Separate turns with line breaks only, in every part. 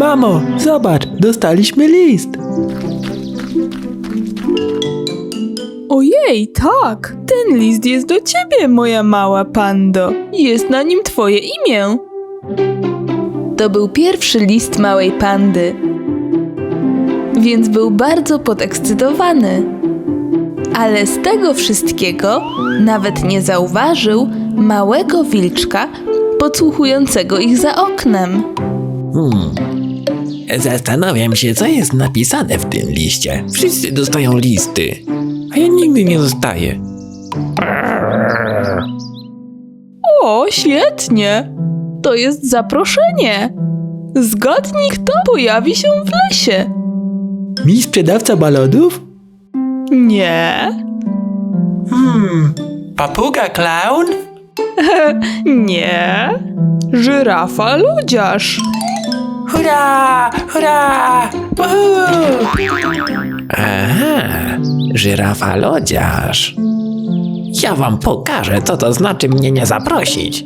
Mamo, zobacz, dostaliśmy list.
Ojej, tak! Ten list jest do ciebie, moja mała pando. Jest na nim twoje imię. To był pierwszy list małej pandy, więc był bardzo podekscytowany. Ale z tego wszystkiego nawet nie zauważył małego wilczka podsłuchującego ich za oknem.
Zastanawiam się, co jest napisane w tym liście. Wszyscy dostają listy, a ja nigdy nie dostaję.
O, świetnie! To jest zaproszenie. Zgadnij, kto pojawi się w lesie.
Mi sprzedawca balonów?
Nie,
Papuga klaun?
nie. Żyrafa lodziarz.
Hurra! Hurra! Aha, żyrafa lodziarz. Ja wam pokażę, co to znaczy mnie nie zaprosić.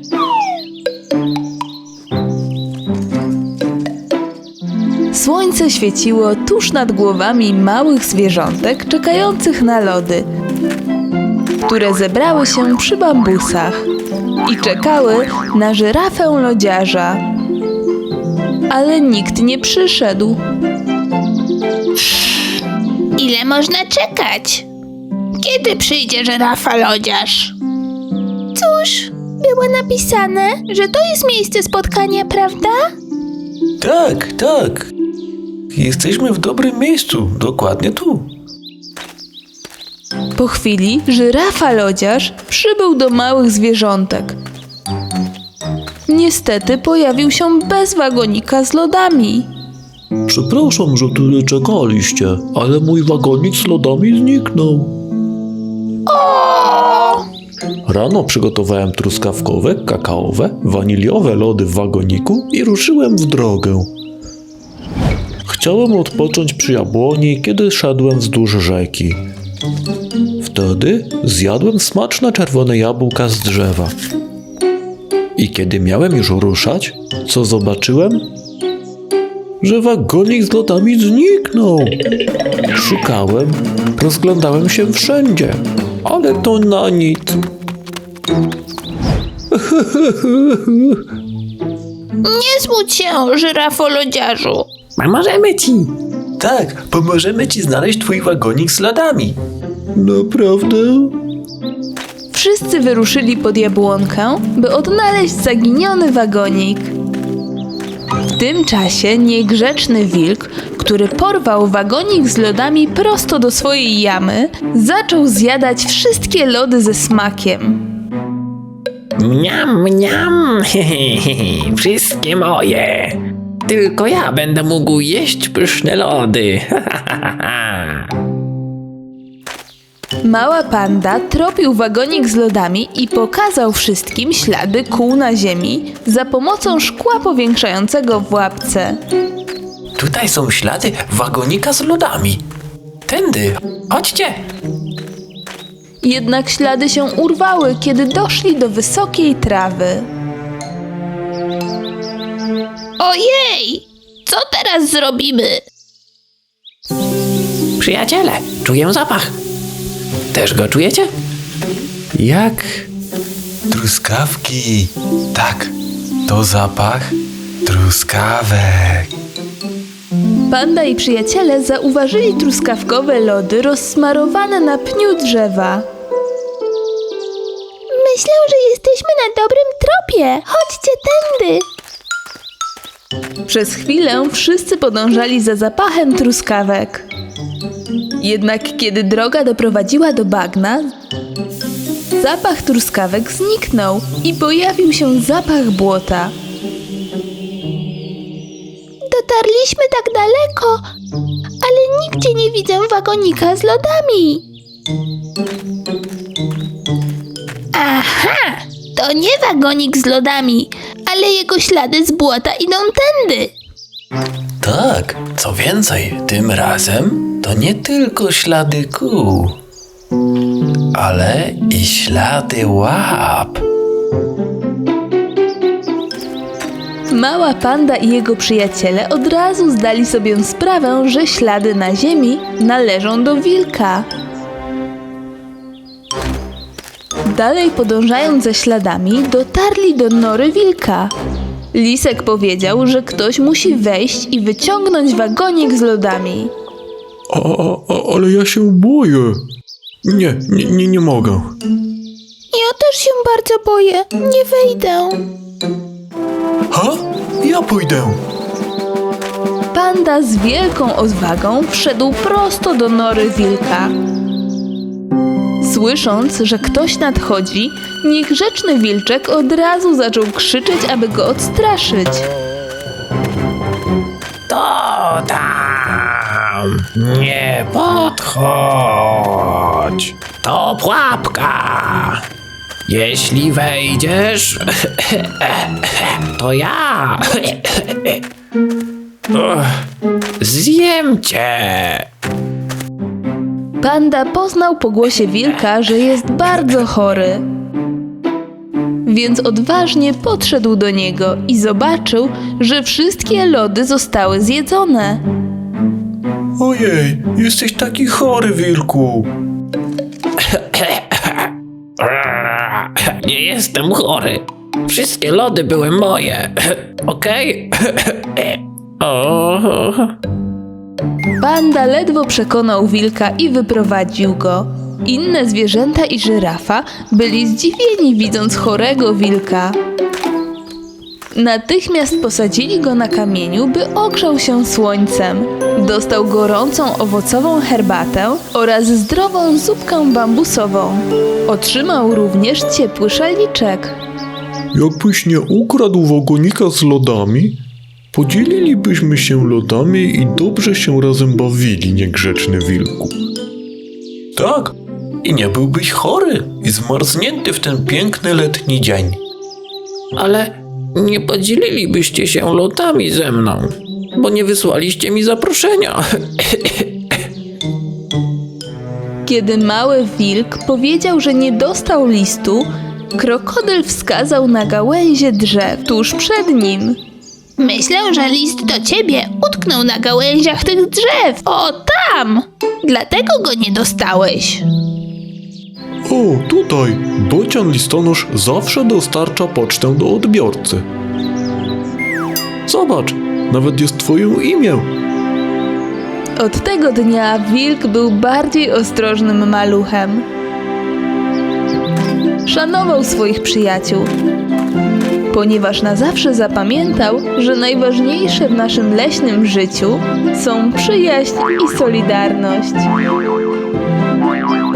Słońce świeciło tuż nad głowami małych zwierzątek czekających na lody, które zebrały się przy bambusach i czekały na żyrafę lodziarza. Ale nikt nie przyszedł.
Ile można czekać? Kiedy przyjdzie żyrafa lodziarz? Cóż, było napisane, że to jest miejsce spotkania, prawda?
Tak, tak. Jesteśmy w dobrym miejscu, dokładnie tu.
Po chwili żyrafa lodziarz przybył do małych zwierzątek. Niestety pojawił się bez wagonika z lodami.
Przepraszam, że tyle czekaliście, ale mój wagonik z lodami zniknął. Rano przygotowałem truskawkowe, kakaowe, waniliowe lody w wagoniku i ruszyłem w drogę. Chciałem odpocząć przy jabłoni, kiedy szedłem wzdłuż rzeki. Wtedy zjadłem smaczne czerwone jabłka z drzewa. I kiedy miałem już ruszać, co zobaczyłem? Że wagonik z lodami zniknął. Szukałem, rozglądałem się wszędzie, ale to na nic.
Nie smuć się, żyrafo lodziarzu.
Pomożemy ci. Tak, pomożemy ci znaleźć twój wagonik z lodami.
Naprawdę?
Wszyscy wyruszyli pod jabłonkę, by odnaleźć zaginiony wagonik. W tym czasie niegrzeczny wilk, który porwał wagonik z lodami prosto do swojej jamy, zaczął zjadać wszystkie lody ze smakiem.
Mniam, mniam, hehehe, wszystkie moje. Tylko ja będę mógł jeść pyszne lody.
Mała panda tropił wagonik z lodami i pokazał wszystkim ślady kół na ziemi za pomocą szkła powiększającego w łapce.
Tutaj są ślady wagonika z lodami. Tędy, chodźcie.
Jednak ślady się urwały, kiedy doszli do wysokiej trawy.
Ojej! Co teraz zrobimy?
Przyjaciele, czuję zapach. Też go czujecie? Jak? Truskawki. Tak, to zapach truskawek.
Panda i przyjaciele zauważyli truskawkowe lody rozsmarowane na pniu drzewa.
Myślę, że jesteśmy na dobrym tropie. Chodźcie tędy.
Przez chwilę wszyscy podążali za zapachem truskawek. Jednak kiedy droga doprowadziła do bagna, zapach truskawek zniknął i pojawił się zapach błota.
Dotarliśmy tak daleko, ale nigdzie nie widzę wagonika z lodami. Aha! To nie wagonik z lodami, ale jego ślady z błota idą tędy.
Tak, co więcej, tym razem to nie tylko ślady kół, ale i ślady łap.
Mała panda i jego przyjaciele od razu zdali sobie sprawę, że ślady na ziemi należą do wilka. Dalej podążając za śladami, dotarli do nory wilka. Lisek powiedział, że ktoś musi wejść i wyciągnąć wagonik z lodami.
Ale ja się boję. Nie mogę.
Ja też się bardzo boję. Nie wejdę.
Ha? Ja pójdę.
Panda z wielką odwagą wszedł prosto do nory wilka. Słysząc, że ktoś nadchodzi, niegrzeczny wilczek od razu zaczął krzyczeć, aby go odstraszyć.
To tam! Nie podchodź! To pułapka! Jeśli wejdziesz, to ja zjem cię!
Panda poznał po głosie wilka, że jest bardzo chory. Więc odważnie podszedł do niego i zobaczył, że wszystkie lody zostały zjedzone.
Ojej, jesteś taki chory, wilku.
Nie jestem chory. Wszystkie lody były moje. Okej? O.
Panda ledwo przekonał wilka i wyprowadził go. Inne zwierzęta i żyrafa byli zdziwieni, widząc chorego wilka. Natychmiast posadzili go na kamieniu, by ogrzał się słońcem. Dostał gorącą owocową herbatę oraz zdrową zupkę bambusową. Otrzymał również ciepły szaliczek.
Jakbyś nie ukradł wagonika z lodami, podzielilibyśmy się lodami i dobrze się razem bawili, niegrzeczny wilku. Tak, i nie byłbyś chory i zmarznięty w ten piękny letni dzień.
Ale nie podzielilibyście się lodami ze mną, bo nie wysłaliście mi zaproszenia.
Kiedy mały wilk powiedział, że nie dostał listu, krokodyl wskazał na gałęzie drzew tuż przed nim.
Myślę, że list do ciebie utknął na gałęziach tych drzew. O, tam! Dlatego go nie dostałeś.
O, tutaj! Bocian listonosz zawsze dostarcza pocztę do odbiorcy. Zobacz, nawet jest twoje imię.
Od tego dnia wilk był bardziej ostrożnym maluchem. Szanował swoich przyjaciół, ponieważ na zawsze zapamiętał, że najważniejsze w naszym leśnym życiu są przyjaźń i solidarność.